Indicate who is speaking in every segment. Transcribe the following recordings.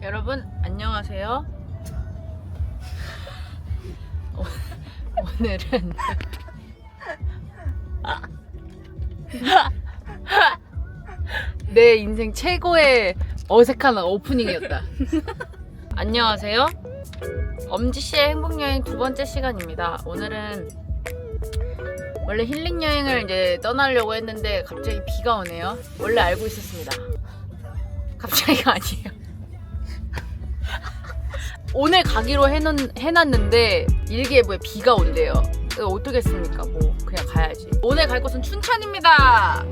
Speaker 1: 여러분 안녕하세요. 오늘은 내 인생 최고의 어색한 오프닝이었다. 안녕하세요. 엄지씨의 행복여행 두 번째 시간입니다. 오늘은 원래 힐링여행을 이제 떠나려고 했는데 갑자기 비가 오네요. 원래 알고 있었습니다. 갑자기가 아니에요. 오늘 가기로 해놨는데 일기예보에 비가 온대요. 어떻게 했습니까? 뭐 그냥 가야지. 오늘 갈 곳은 춘천입니다.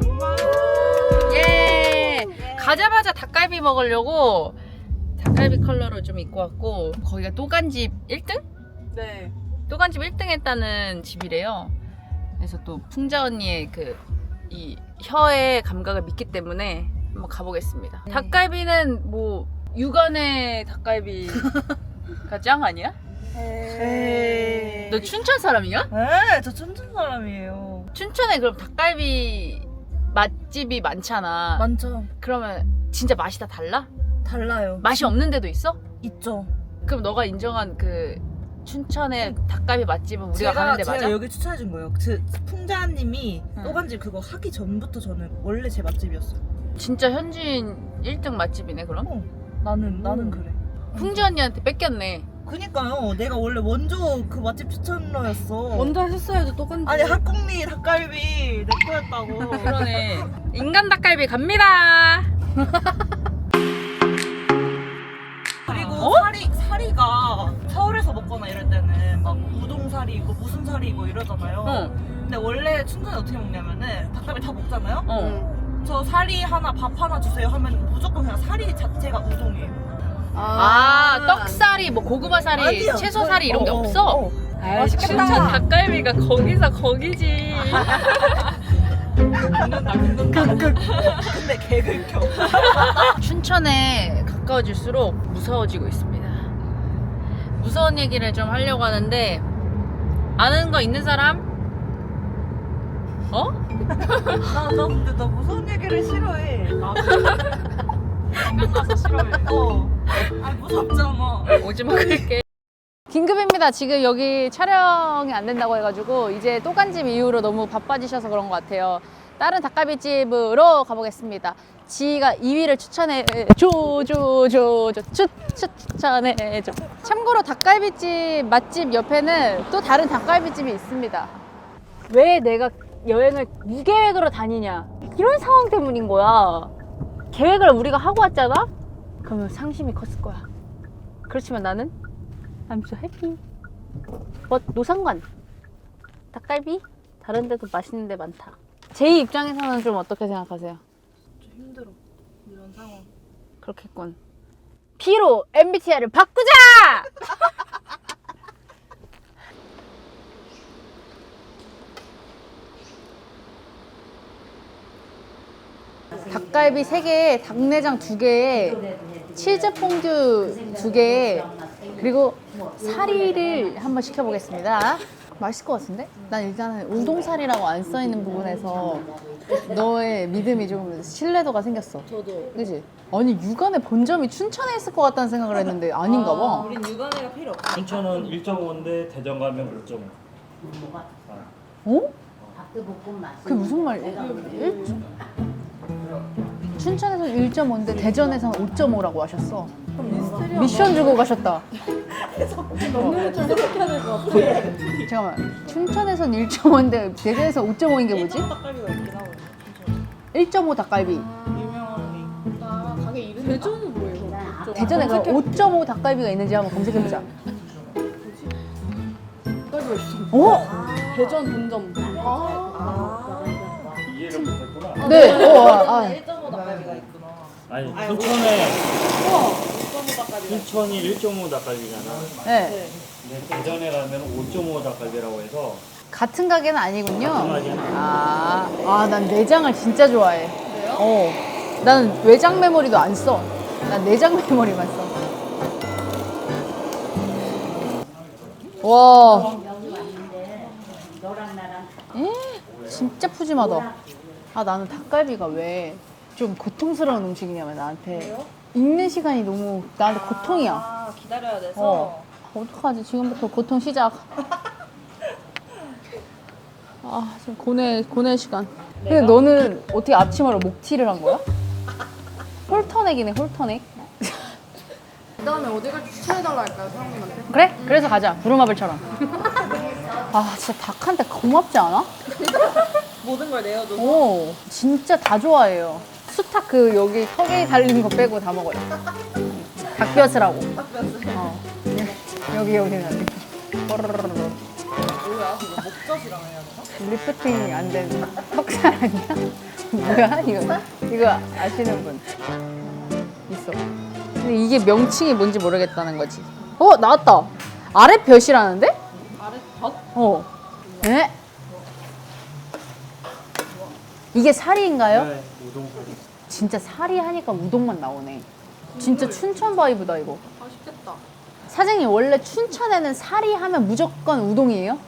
Speaker 1: 예. 가자마자 닭갈비 먹으려고 닭갈비 컬러로 좀 입고 왔고, 거기가 또간집 1등?
Speaker 2: 네.
Speaker 1: 또간집 1등 했다는 집이래요. 그래서 또 풍자 언니의 이 혀의 감각을 믿기 때문에 한번 가보겠습니다.
Speaker 2: 네.
Speaker 1: 닭갈비는 뭐 육안의 닭갈비가 짱 아니야?
Speaker 2: 에이.
Speaker 1: 너 춘천 사람이야?
Speaker 2: 네, 저 춘천 사람이에요.
Speaker 1: 춘천에 그럼 닭갈비 맛집이 많잖아.
Speaker 2: 많죠?
Speaker 1: 그러면 진짜 맛이 다 달라?
Speaker 2: 달라요.
Speaker 1: 맛이 없는 데도 있어?
Speaker 2: 있죠.
Speaker 1: 그럼 너가 인정한 춘천의 닭갈비 맛집은 우리가 가는데 맞아?
Speaker 2: 제가 여기 추천해준 거예요. 풍자님이
Speaker 1: 응.
Speaker 2: 또간집 그거 하기 전부터 저는 원래 제 맛집이었어요.
Speaker 1: 진짜 현지인 1등 맛집이네 그럼?
Speaker 2: 나는 그래.
Speaker 1: 풍자 언니한테 뺏겼네.
Speaker 2: 그니까요. 내가 원래 먼저 그 맛집 추천러였어.
Speaker 3: 먼저 하셨어야죠. 똑같은데.
Speaker 2: 아니 학곡리 닭갈비 내 거였다고.
Speaker 1: 그러네. 인간 닭갈비 갑니다.
Speaker 2: 그리고 사리가 서울에서 먹거나 이럴 때는 막 우동사리 있고 무슨 사리 있고 이러잖아요. 근데 원래 춘천에 어떻게 먹냐면은 닭갈비 다 먹잖아요. 저 사리 하나 밥 하나 주세요 하면 무조건 그냥 사리 자체가 우동이에요.
Speaker 1: 떡사리, 뭐 고구마사리,
Speaker 2: 아니요.
Speaker 1: 채소사리 이런 게 없어?
Speaker 2: 맛있겠다.
Speaker 1: 춘천 닭갈비가 거기서 거기지.
Speaker 2: 근데 개긁혀.
Speaker 1: 춘천에 가까워질수록 무서워지고 있습니다. 무서운 얘기를 좀 하려고 하는데, 아는 거 있는 사람? 어?
Speaker 2: 나 근데 나 무서운 얘기를 싫어해.
Speaker 1: 생각나서 싫어해.
Speaker 2: 아 무섭잖아.
Speaker 1: 오지마 그럴게. 긴급입니다. 지금 여기 촬영이 안 된다고 해가지고 이제 또간집 이후로 너무 바빠지셔서 그런 것 같아요. 다른 닭갈비집으로 가보겠습니다. 지희가 2위를 추천해줘. 추천해줘. 참고로 닭갈비집 맛집 옆에는 또 다른 닭갈비집이 있습니다. 왜 내가 여행을 무계획으로 다니냐, 이런 상황 때문인 거야. 계획을 우리가 하고 왔잖아? 그러면 상심이 컸을 거야. 그렇지만 나는 I'm so happy. 노상관 닭갈비 다른 데도 맛있는 데 많다. 제 입장에서는 좀 어떻게 생각하세요?
Speaker 2: 좀 힘들어 이런 상황.
Speaker 1: 그렇겠군. P로 MBTI를 바꾸자! 닭갈비 3개에 닭내장 2개에 치즈 퐁듀 2개에 그리고 사리를 한번 시켜보겠습니다. 맛있을 것 같은데? 난 일단은 우동사리라고 안 써있는 부분에서 너의 믿음이 좀 신뢰도가 생겼어.
Speaker 3: 저도.
Speaker 1: 그치? 아니 육안의 본점이 춘천에 있을 것 같다는 생각을 했는데 아닌가 봐.
Speaker 3: 우린 육안회가 필요 없어.
Speaker 4: 춘천은 1.5인데 대전 가면 5.5.
Speaker 1: 어? 그게 무슨 말이야? 춘천에서 1.5인데 대전에서는 5.5라고 하셨어. 미션 주고 가셨다.
Speaker 3: 먹는 걸 생각해야 될 것 같아.
Speaker 1: 잠깐만. 춘천에선 1.5인데 대전에서 5.5인 게 뭐지?
Speaker 2: 닭갈비가 있긴 하고.
Speaker 1: 1.5 닭갈비.
Speaker 2: 유명한
Speaker 3: 가게 이름. 대전은 뭐예요?
Speaker 1: 대전에 그럼 5.5 닭갈비가 있는지 한번 검색해보자.
Speaker 3: 닭갈비가 있어.
Speaker 1: 어?
Speaker 3: 대전 본점.
Speaker 4: 이해를 못했구나.
Speaker 1: 네.
Speaker 2: 1.5 닭갈비가 있구나.
Speaker 4: 아니 춘천에 춘천이 1.5 닭갈비잖아.
Speaker 1: 네.
Speaker 4: 근데 대전에 가면 5.5 닭갈비라고 해서
Speaker 1: 같은 가게는 아니군요.
Speaker 4: 같은 가게는 아니에요.
Speaker 1: 난 내장을 진짜 좋아해. 그래요? 난 외장 메모리도 안 써. 난 내장 메모리만 써. 와. 진짜 푸짐하다. 나는 닭갈비가 왜 좀 고통스러운 음식이냐면 나한테. 읽는 시간이 너무 나한테 고통이야.
Speaker 2: 아, 기다려야 돼서.
Speaker 1: 어떡하지? 지금부터 고통 시작. 아, 지금 고뇌 시간. 근데 너는 어떻게 아침으로 목티를 한 거야? 홀터넥이네, 홀터넥.
Speaker 3: 그 다음에 어디 갈지 추천해달라 할까요, 사장님한테?
Speaker 1: 그래? 그래서 가자. 부루마블처럼. 아, 진짜 닭한테 고맙지 않아?
Speaker 2: 모든 걸 내어줘서.
Speaker 1: 오, 진짜 다 좋아해요. 수탉 그 여기 턱에 달린 거 빼고 다 먹어요. 닭뼈스라고. 어. 여기는 안 돼.
Speaker 2: 뭐야? 그거 목젖이랑 해야 되나?
Speaker 1: 리프팅이 안 되는 턱살 아니야? 뭐야 이거 아시는 분 있어. 근데 이게 명칭이 뭔지 모르겠다는 거지. 나왔다. 아래 볕이라는데?
Speaker 3: 아래 덧?
Speaker 1: 에? 이게 사리인가요?
Speaker 4: 네, 우동사리.
Speaker 1: 진짜 사리 하니까 우동만 나오네. 진짜 춘천 바이브다 이거.
Speaker 3: 맛있겠다.
Speaker 1: 사장님 원래 춘천에는 사리 하면 무조건 우동이에요?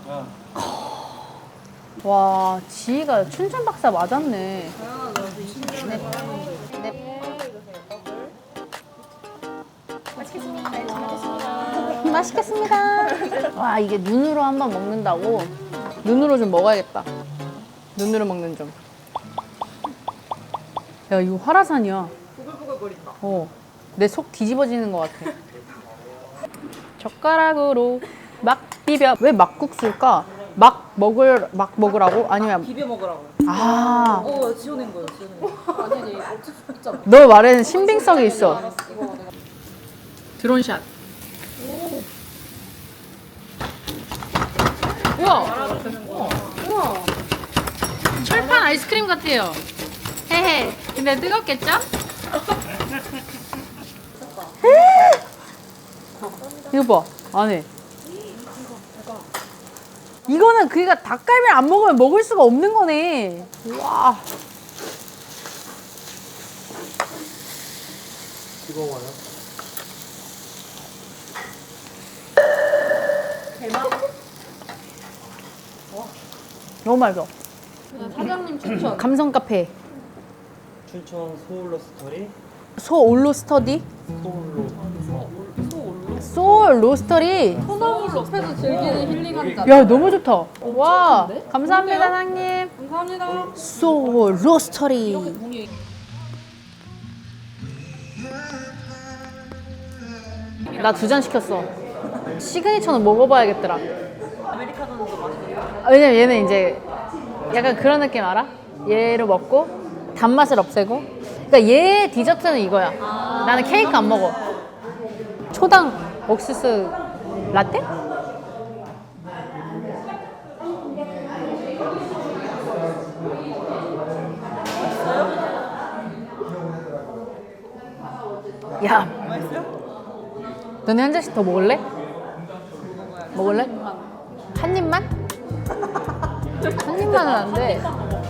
Speaker 1: 와, 지희가 춘천 박사 맞았네. 맛있겠습니다. 와, 이게 눈으로 한번 먹는다고? 눈으로 좀 먹어야겠다. 눈으로 먹는 좀. 야, 이거 화라산이야.
Speaker 2: 부글부글거린다.
Speaker 1: 내 속 뒤집어지는 것 같아. 젓가락으로 막 비벼. 왜 막국수일까? 막 먹으라고? 아니면
Speaker 2: 비벼 먹으라고.
Speaker 1: 아,
Speaker 2: 지어낸 거예요, 지어낸 거.
Speaker 3: 아니지, 어쩔 수 없잖아.
Speaker 1: 너 말에는 신빙성이 있어. 드론샷. 우와. 우와. 철판 아이스크림 같아요. 헤헤. 근데 뜨겁겠죠? 이거 봐. 안에. 이거는 그니까 닭갈비를 안 먹으면 먹을 수가 없는 거네. 와.
Speaker 4: 뜨거워요.
Speaker 1: 너무 맛있어.
Speaker 3: 사장님 추천.
Speaker 1: 감성 카페.
Speaker 4: 춘천 소울로 스토리.
Speaker 1: 소올로 스터디? 소울 로스터리.
Speaker 3: 소나무 숲에서 즐기는 힐링한 잔.
Speaker 1: 야, 너무 좋다. 와,
Speaker 3: 좋은데?
Speaker 1: 감사합니다,
Speaker 3: 좋은데요?
Speaker 1: 사장님.
Speaker 3: 감사합니다.
Speaker 1: 소울 로스터리. 나 2잔 시켰어. 시그니처는 먹어봐야겠더라.
Speaker 2: 아메리카노도 맛있어요.
Speaker 1: 왜냐면 얘는 이제 약간 그런 느낌 알아? 얘로 먹고 단맛을 없애고. 그러니까 얘 디저트는 이거야. 나는 케이크 안 먹어. 초당 옥수수 라떼? 야, 너네 한 잔씩 더 먹을래? 먹을래? 한 입만? 한 입만은 안 돼.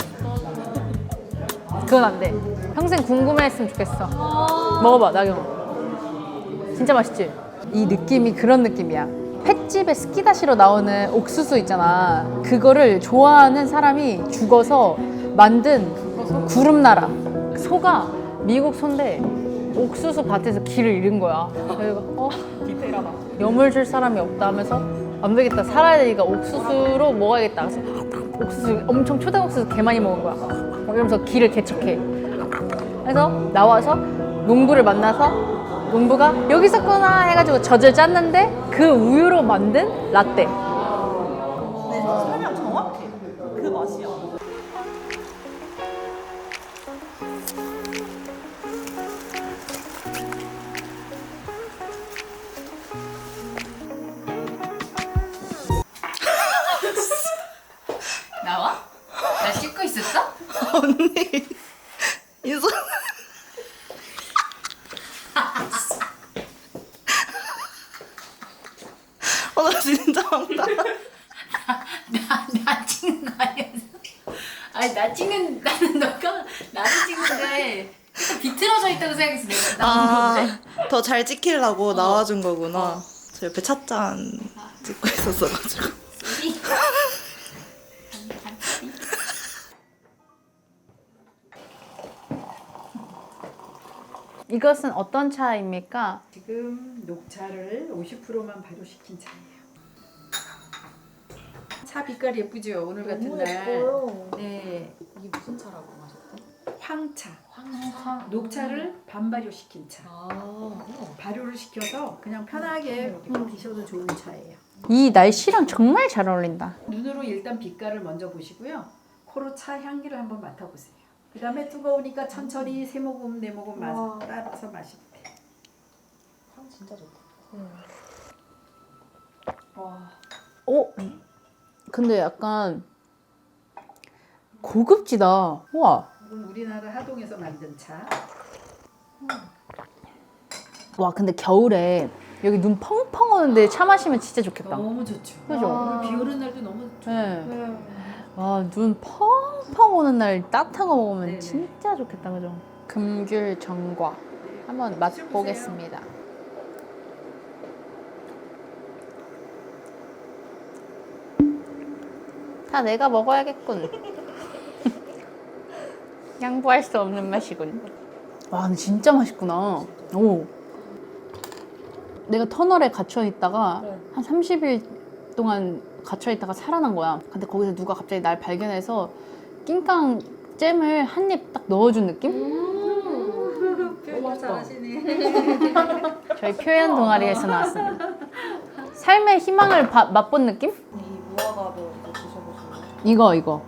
Speaker 1: 그건 안 돼. 평생 궁금해했으면 좋겠어. 먹어봐, 나경. 진짜 맛있지? 이 느낌이 그런 느낌이야. 횟집에 스키다시로 나오는 옥수수 있잖아. 그거를 좋아하는 사람이 죽어서 만든 구름나라. 소가 미국 소인데 옥수수 밭에서 길을 잃은 거야. 그래서
Speaker 2: 디테일하다.
Speaker 1: 염을 줄 사람이 없다 하면서 안 되겠다, 살아야 되니까 옥수수로 먹어야겠다. 그래서 옥수수 엄청 초당 옥수수 개 많이 먹은 거야. 이러면서 길을 개척해. 그래서 나와서 농부를 만나서 농부가 여기 있었구나 해가지고 젖을 짰는데 그 우유로 만든 라떼.
Speaker 2: 네, 설명 정확해. 그 맛이야.
Speaker 1: 나와? 나 씻고 있었어?
Speaker 2: 언니, 인선. 나 진짜 황당.
Speaker 1: 나 찍는 거 아니었어? 아니 나는 너가 나를 찍는데 비틀어져 있다고 생각해서 내가 나온 건데.
Speaker 2: 더 잘 찍히려고 나와준 거구나. 저 옆에 찻잔 찍고 있었어가지고.
Speaker 1: 이것은 어떤 차입니까?
Speaker 5: 지금 녹차를 50%만 발효시킨 차예요. 차 빛깔 예쁘죠? 오늘 같은 날. 네,
Speaker 3: 이게 무슨 차라고 하셨대?
Speaker 5: 황차.
Speaker 3: 황차.
Speaker 5: 녹차를 반발효시킨 차.
Speaker 3: 아.
Speaker 5: 발효를 시켜서 그냥 편하게 이렇게 드셔도 좋은 차예요.
Speaker 1: 이 날씨랑 정말 잘 어울린다.
Speaker 5: 눈으로 일단 빛깔을 먼저 보시고요. 코로 차 향기를 한번 맡아보세요. 그 다음에 뜨거우니까 천천히 세 모금 네 모금 따라서 마시면 돼요.
Speaker 3: 향 진짜 좋다.
Speaker 1: 오, 근데 약간 고급지다. 우와.
Speaker 5: 이건 우리나라 하동에서 만든 차.
Speaker 1: 와, 근데 겨울에 여기 눈 펑펑 오는데 차 마시면 진짜 좋겠다.
Speaker 5: 너무 좋죠.
Speaker 1: 그죠?
Speaker 5: 오늘 비 오는 날도 너무 좋아요.
Speaker 1: 네. 와, 눈 펑펑 오는 날 따뜻한 거 먹으면
Speaker 5: 네네.
Speaker 1: 진짜 좋겠다, 그죠? 금귤 전과 한번 맛보겠습니다. 다 내가 먹어야겠군. 양보할 수 없는 맛이군. 와, 근데 진짜 맛있구나. 오. 내가 터널에 갇혀 있다가 한 30일 동안 갇혀 있다가 살아난 거야. 근데 거기서 누가 갑자기 날 발견해서 낑깡 잼을 한 입 딱 넣어준 느낌?
Speaker 5: 표현 잘하시네.
Speaker 1: 저희 표현 동아리에서 나왔습니다. 삶의 희망을 맛본 느낌?
Speaker 2: 이 무화과도 이제 드셔보시면
Speaker 1: 이거.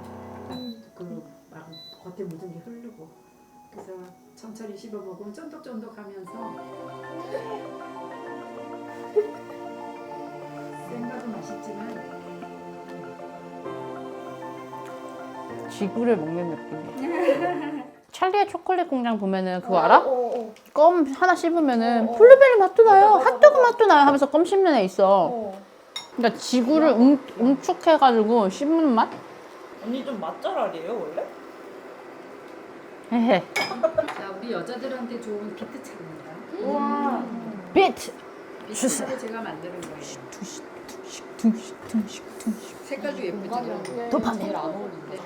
Speaker 5: 그막 겉에 묻은 게 흐르고 그래서 천천히 씹어 먹으면 쫀득쫀득하면서 생과도 맛있지만
Speaker 1: 지구를 먹는 느낌이야. 찰리의 초콜릿 공장 보면은 그거 알아? 껌 하나 씹으면은 블루베리 맛도 나요, 핫도그 맛도 나요 하면서 껌 씹는 애 있어. 그러니까 지구를 응축해가지고 씹는 맛?
Speaker 2: 언니 좀 맛잘알이에요 원래?
Speaker 1: 헤헤.
Speaker 5: 자 우리 여자들한테 좋은 비트 차입니다.
Speaker 2: 우와.
Speaker 1: 비트!
Speaker 5: 비트 차를 제가 만드는 거예요.
Speaker 1: 둥식.
Speaker 5: 색깔도 예쁘죠?
Speaker 1: 도파민.
Speaker 3: 제일 안 어울린대.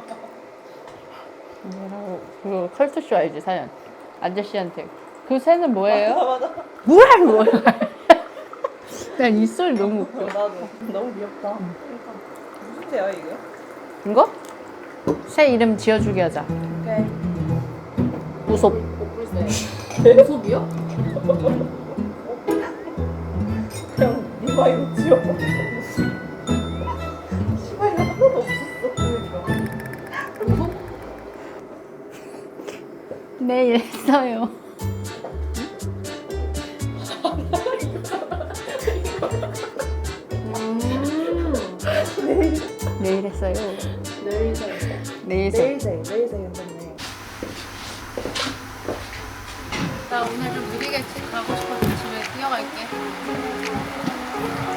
Speaker 1: 그리고 컬투쇼 알지, 사연? 아저씨한테 그 새는 뭐예요?
Speaker 2: 맞아.
Speaker 1: 뭐야. 난 이 소리 너무 웃겨.
Speaker 2: 나도 너무 귀엽다. 그러니까 무슨 새야 이게?
Speaker 1: 이거? 새 이름 지어주게 하자.
Speaker 2: 오케이.
Speaker 1: 우섭.
Speaker 3: 옥불새. 우섭이요?
Speaker 2: 그냥 니마 이름 지어. 시발이 하나도 없었어. 그러니까.
Speaker 1: 내일 했어요. 내일 했어요. 내일 새.
Speaker 2: 내일생 괜찮네.
Speaker 3: 나 오늘 좀 느리게 집 가고 싶어서 집에 뛰어갈게.